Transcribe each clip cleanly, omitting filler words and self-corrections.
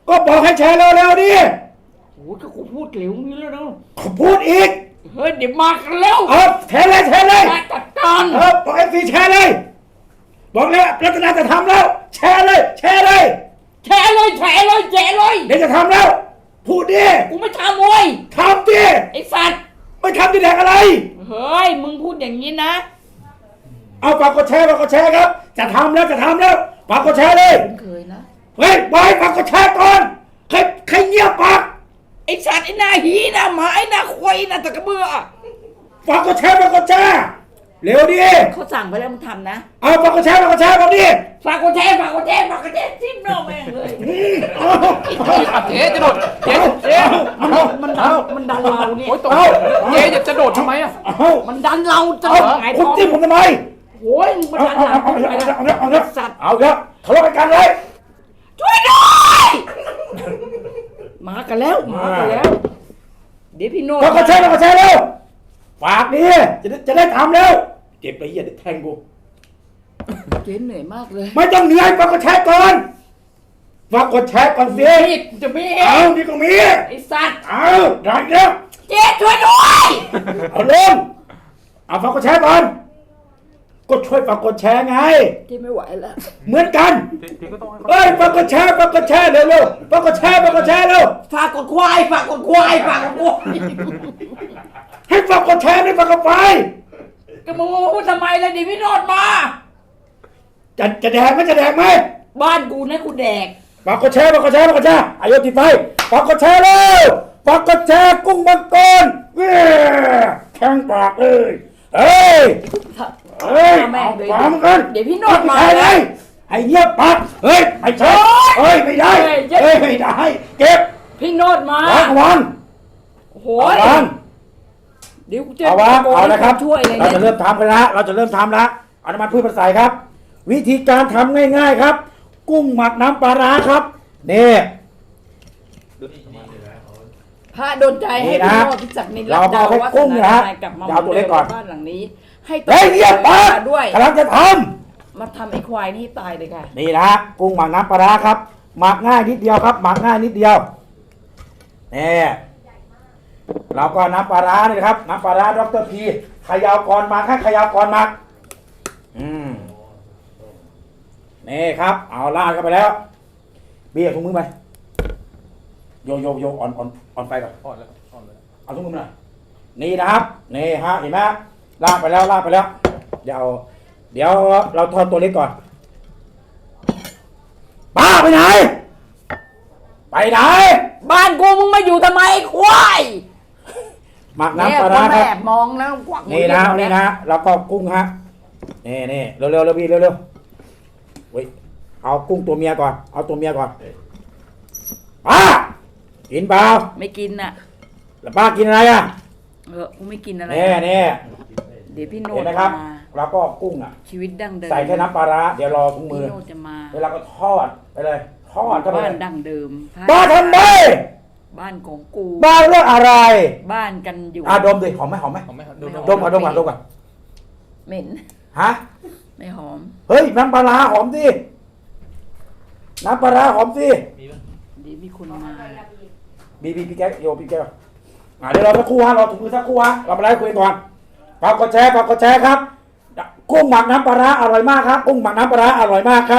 ก็บอกให้แชร์เร็วๆดิโอ้ยก็กูพูดเหลวนี้แล้วเนาะพูดอีกเฮ้ยเดี๋ยวมากันแล้วแชร์เลยมาจัดการบอกเอฟซีแชร์เลยบอกแล้วรัตนาจะทำแล้วแชร์เลยแชร์เลยเดี๋ยวจะทำแล้วพูดดิกูไม่ทำเว้ยทำดิไอ้สัตว์ไม่ทำจะแดกอะไรเฮ้ยมึงพูดอย่างนี้นะเอาฝากกดแชร์ครับจะทำแล้วฝากกดแชร์เลยเคยนะเฮ้ยบอยฝากกดแชร์ก่อนใครเงียบปากไอ้สัตว์ไอ้หน้าหีหน้าหมาไอ้หน้าควายหน้าตะกระเบือฝากกดแชร์เร็วดิเขาสั่งไปแล้วมึงทำนะเอาฝากกดแชร์บอกดิฝากกดแชร์จิ้มน้องแม่งเลยเจ๊จะโดดเจ๊มันดันเราเนี่ยเจ๊จะโดดทำไมอ่ะมันดันเราจะไงคุณจิ้มผมทำไมโอ้ยมันดันเราเอาสัตว์เอาครับทะเลาะกันเลยช่วยด้วยมากันแล้วเดี๋ยวพี่โน้ตฝากกดแชร์เร็วฝากดิจะได้ทำแล้วเจ็บไปเหี้ยแทงกูเจ๊เหนื่อยมากเลยไม่ต้องเหนื่อยฝากกดแชร์ก่อนสิจะมีนี่ก็มีไอ้สัตว์ได้แล้วเจ๊ช่วยด้วยเอาลงฝากกดแชร์ก่อนก็ช่วยฝากกดแชร์ไงเจ๊ไม่ไหวแล้วเหมือนกันฝากกดแชร์เร็วฝากกดแชร์เร็วฝากกดควายให้ฝากกดแชร์ไม่ฝากกดไฟก็มึงพูดทำไมล่ะดิพี่โนดมาจะแดกไหมบ้านกูนะกูแดกฝากกดแชร์อายุติดไฟฝากกดแชร์เร็วฝากกดแชร์กุ้งมังกรแข้งปากเลยเฮ้ยฟังกันเดี๋ยวพี่โนดมาเลยให้เงียบปากเฮ้ยไม่ใช่ไม่ได้เก็บพี่โนดมาวางโอ้ยเดี๋ยวจะเอาละครับเราจะเริ่มทำกันแล้วเอาน้ำมันพืชมาใส่ครับวิธีการทำง่ายๆครับกุ้งหมักน้ำปลาร้าครับนี่พระโดนใจให้พี่โนดพิจักรนิรันดร์วัฒนาชัยกลับมาเอาตัวเล็กก่อนบ้านหลังนี้ให้เงียบปากด้วยกำลังจะทำมาทำไอ้ควายนี่ตายเลยค่ะนี่นะกุ้งหมักน้ำปลาร้าครับหมักง่ายนิดเดียวครับนี่เราก็น้ำปลาร้านี่ครับน้ำปลาร้าดร.พีขยาวก่อนหมักนี่ครับเอาลาดเข้าไปแล้วเบี้ยถุงมือไปโยอ่อนไฟก่อนอ่อนเลยเอาถุงมือมานี่นะครับนี่ฮะเห็นไหมลาดไปแล้วเดี๋ยวเราทอดตัวเล็กก่อนป้าไปไหนบ้านกูมึงมาอยู่ทำไมควายหมักน้ำปลาร้าครับแอบมองแล้วกวักนี่นะแล้วก็กุ้งฮะนี่เร็วพี่เร็วเว้ยเอากุ้งตัวเมียก่อนป้ากินเปล่าไม่กินน่ะแล้วป้ากินอะไรอ่ะกูไม่กินอะไรนี่เดี๋ยวพี่โน้ตนะครับแล้วก็กุ้งอ่ะชีวิตดั้งเดิมใส่แค่น้ำปลาร้าเดี๋ยวรอถุงมือพี่โน้ตจะมาเวลาก็ทอดไปเลยบ้านดั้งเดิมบ้านทำไมบ้านของกูบ้านเรื่องอะไรบ้านกันอยู่ดมดิหอมไหมดมก่อนเหม็นฮะไม่หอมเฮ้ยน้ำปลาร้าหอมสิเดี๋ยวมีคนมาพี่แก้วเดี๋ยวเราสักครู่ฮะรอถุงมือสักครู่ฮะเรามาไล่คุยก่อนฝากกดแชร์ครับกุ้งหมักน้ำปลาร้าอร่อยมากครับกุ้งหมักน้ำปลาร้าอร่อยมากครับ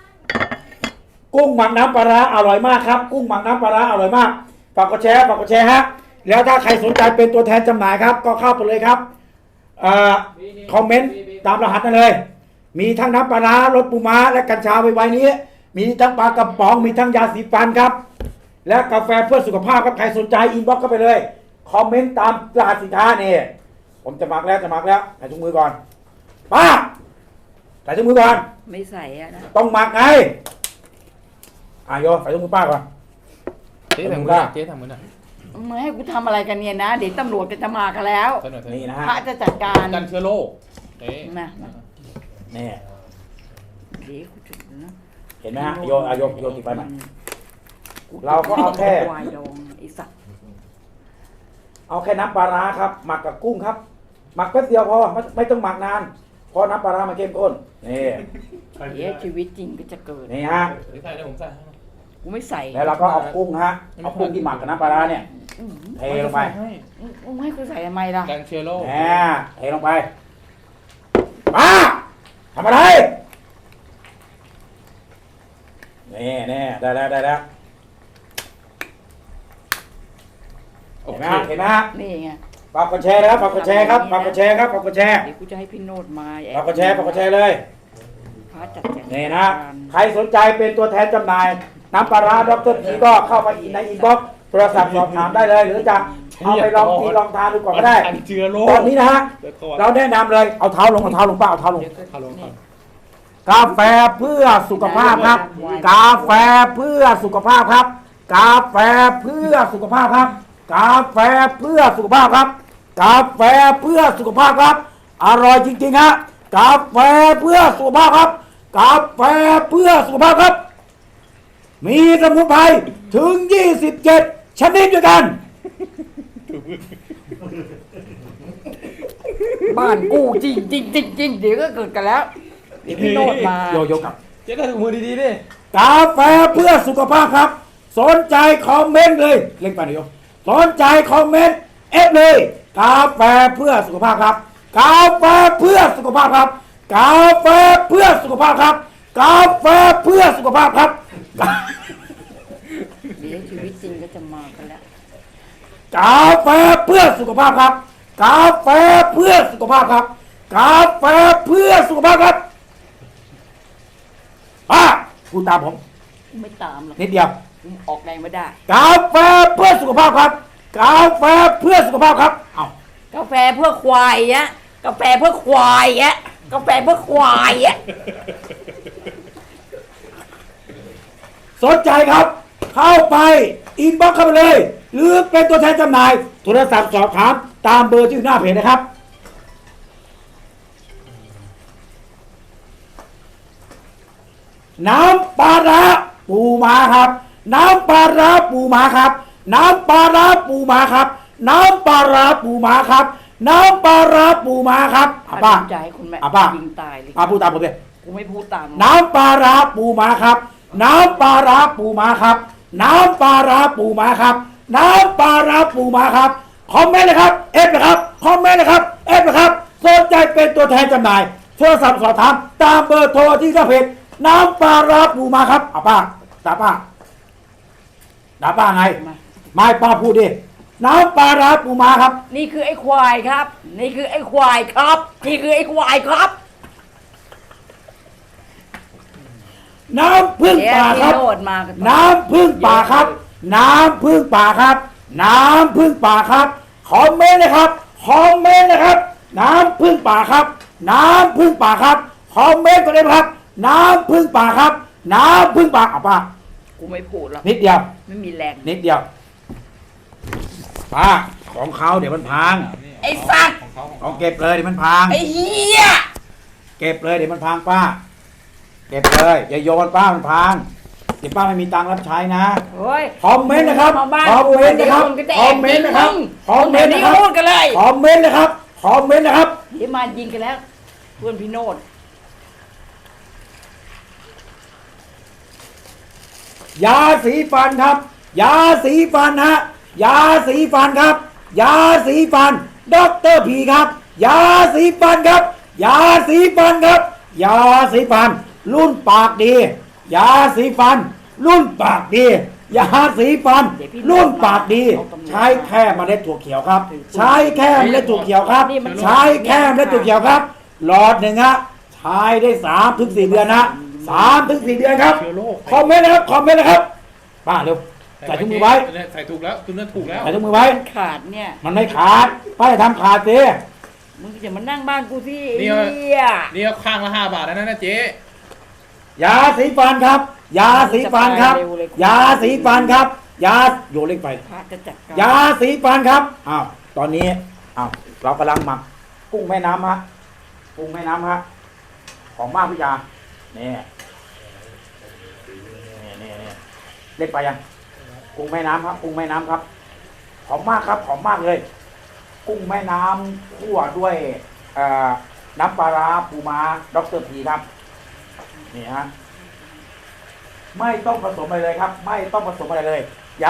ฝากกดแชร์ฮะแล้วถ้าใครสนใจเป็นตัวแทนจำหน่ายครับก็เข้าไปเลยครับคอมเมนต์ตามรหัสนั่นเลยมีทั้งน้ำปลาร้ารสปูม้าและกัญชาไว้นี้มีทั้งปลากระป๋องมีทั้งยาสีฟันครับและกาแฟเพื่อสุขภาพครับใครสนใจอินบ็อกซ์เข้าไปเลยคอมเมนต์ตามรหัสสินค้านี่ผมจะหมักแล้วใส่ถุงมือก่อนป้าใส่ถุงมือก่อนไม่ใส่อะนะต้องหมักไงโยใส่ถุงมือป้าก่อนเจ๊ทำมือหน่อยมึงให้กูทำอะไรกันเนี่ยนะเดี๋ยวตำรวจจะมากันแล้วนี่นะฮะพระจะจัดการกันเชื้อโรคนะนี่เดี๋ยวกูจุดนะเห็นไหมฮะโยติดไปไหมเราก็เอาแค่เอาแค่น้ำปลาร้าครับหมักกับกุ้งครับหมักแป๊บเดียวพอไม่ต้องหมักนานเพราะน้ำปลาร้ามันเข้มข้นนี่ชีวิตจริงก็จะเกิดนี่ฮะใส่ได้ผมใส่กูไม่ใส่แล้วเราก็เอากุ้งฮะเอากุ้งที่หมักกับน้ำปลาร้าเนี่ยเทลงไปมึงให้กูใส่ทำไมล่ะแกงเชโร่แหมเทลงไปป้าทำอะไรนี่ได้แล้วโอเห็นไหมเคฮะเห็นไหมฮะนี่ไงฝากกดแชร์นะครับฝากกดแชร์ครับฝากกดแชร์ครับฝากกดแชร์เดี๋ยวกูจะให้พี่โนดมาฝากกดแชร์ฝากกดแชร์เลยพาจัดแจงนี่นะใครสนใจเป็นตัวแทนจำหน่ายน้ำปลาร้าดรพีก็เข้าไปในอินบ็อกซ์โทรศัพท์สอบถามได้เลย หรือจะเอาไปลองกินลองทานดูก่อนก็ได้แกงเชโร่ตอนนี้นะฮะเดี๋ยวก่อนเราแนะนำเลยเอาเท้าลงเอาเท้าลงป้าเอาเท้าลงฮัลโหลครับกาแฟเพื่อสุขภาพครับ กาแฟเพื่อสุขภาพครับ กาแฟเพื่อสุขภาพครับ กาแฟเพื่อสุขภาพครับ กาแฟเพื่อสุขภาพครับ อร่อยจริงๆฮะกาแฟเพื่อสุขภาพครับ กาแฟเพื่อสุขภาพครับ มีสมุนไพรถึง 27 ชนิดด้วยกันบ้านกูจริงจริงจริงจริงเดี๋ยวก็เกิดกันแล้วเดี๋ยวพี่โนดมาโยกกับเจ๊ได้ถุงมือดีๆดิกาแฟเพื่อสุขภาพครับ สนใจคอมเมนต์เลยเล่นไปหน่อยโยสนใจคอมเมนต์เอฟเลย กาแฟเพื่อสุขภาพครับ กาแฟเพื่อสุขภาพครับ กาแฟเพื่อสุขภาพครับ กาแฟเพื่อสุขภาพครับเดี๋ยวชีวิตจริงก็จะมากันแล้วกาแฟเพื่อสุขภาพครับ กาแฟเพื่อสุขภาพครับ กาแฟเพื่อสุขภาพครับพูดตามผมไม่ตามหรอกนิดเดียวกูออกแรงไม่ได้กาแฟเพื่อสุขภาพครับ กาแฟเพื่อสุขภาพครับเอากาแฟเพื่อควายอะกาแฟเพื่อควายอะกาแฟเพื่อควายอะสนใจครับ เข้าไปอินบ็อกซ์เข้าไปเลย หรือเป็นตัวแทนจำหน่าย โทรศัพท์สอบถามตามเบอร์ที่อยู่หน้าเพจนะครับ น้ำปลาร้าปูม้าครับ น้ำปลาร้าปูม้าครับ น้ำปลาร้าปูม้าครับ น้ำปลาร้าปูม้าครับ น้ำปลาร้าปูม้าครับป้าใจให้คุณแม่ป้ายิงตายเลยพูดตามผมเลยกูไม่พูดตามน้ำปลาร้าปูม้าครับ น้ำปลาร้าปูม้าครับ น้ำปลาร้าปูม้าครับ น้ำปลาร้าปูม้าครับ คอมเมนต์เลยครับ เอฟนะครับ คอมเมนต์เลยครับ เอฟนะครับ สนใจเป็นตัวแทนจำหน่าย โทรศัพท์สอบถามตามเบอร์โทรที่หน้าเพจ น้ำปลาร้าปูม้าครับป้าตาป้าไง ไม่ป้าพูดดิ น้ำปลาร้าปูม้าครับนี่คือไอ้ควายครับ นี่คือไอ้ควายครับ นี่คือไอ้ควายครับน้ำพึ่งเดี๋ยวป่าคพี่รับโนดมากันน้ำพึ่งป่าครับ น้ำพึ่งป่าครับ น้ำพึ่งป่าครับ คอมเมนต์นะครับ คอมเมนต์นะครับ น้ำพึ่งป่าครับ น้ำพึ่งป่าครับ คอมเมนต์กันเลยครับ น้ำพึ่งป่าครับ น้ำพึ่งป่าป้ากูไม่พูดหรอกนิดเดียวไม่มีแรงนิดเดียวป้าของเขาเดี๋ยวมันพังไอ้สัตว์ของเขาของเอาเขาเก็บเลยเดี๋ยวมันพังไอ้เหี้ยเก็บเลยเดี๋ยวมันพังป้า เก็บเลยอย่าโยนป้ามันพัง เดี๋ยวป้าไม่มีตังค์รับใช้นะเฮ้ยคอมเมนต์นะครับมาบ้านคอมเมนต์นะครับก็จะคอมเมนต์นะครับ คอมเมนต์นี่นะครับพูดกันเลยคอมเมนต์นะครับ คอมเมนต์นะครับเดี๋ยวมายิงกันแล้ว เพื่อนพี่โนดยาสีฟันครับ ยาสีฟันฮะ ยาสีฟันครับ ยาสีฟันด็อกเตอร์พีครับ ยาสีฟันครับ ยาสีฟันครับ ยาสีฟัน รุ่นปากดี ยาสีฟัน รุ่นปากดี ยาสีฟัน รุ่นปากดี ใช้แค่เมล็ดถั่วเขียวครับ ใช้แค่เมล็ดถั่วเขียวครับ ใช้แค่เมล็ดถั่วเขียวครับ หลอดหนึ่งฮะ ใช้ได้3 ถึง 4 เดือนนะ3 ถึง 4 เดือนครับ คอมเมนต์นะครับ คอมเมนต์นะครับ ป้าเร็ว ใส่ถุงมือไว้ใส่ถูกแล้วคุณนั่นถูกแล้วใส่ถุงมือไว้มันขาดเนี่ยมันไม่ขาด ป้าจะทำขาดสิมึงอย่ามานั่งบ้านกูสินี่ไอ้เอาเหี้ยนี่ก็ข้างละ5 บาทแล้วนะเจ๊ยาสีฟันครับ ยาสีฟันครับ ยาสีฟันครับ ยาโยนเล็กไปพระจะจัดการยาสีฟันครับ อ้าว ตอนนี้ อ้าว เรากำลังหมักกุ้งแม่น้ำฮะ กุ้งแม่น้ำฮะ ของมากพิยานี่เล็กไปยัง กุ้งแม่น้ำครับ กุ้งแม่น้ำครับ หอมมากครับ หอมมากเลย กุ้งแม่น้ำคั่วด้วยน้ำปลาร้าปูม้าด็อกเตอร์พีครับ นี่ฮะไม่ต้องผสมอะไรเลยครับ ไม่ต้องผสมอะไรเลย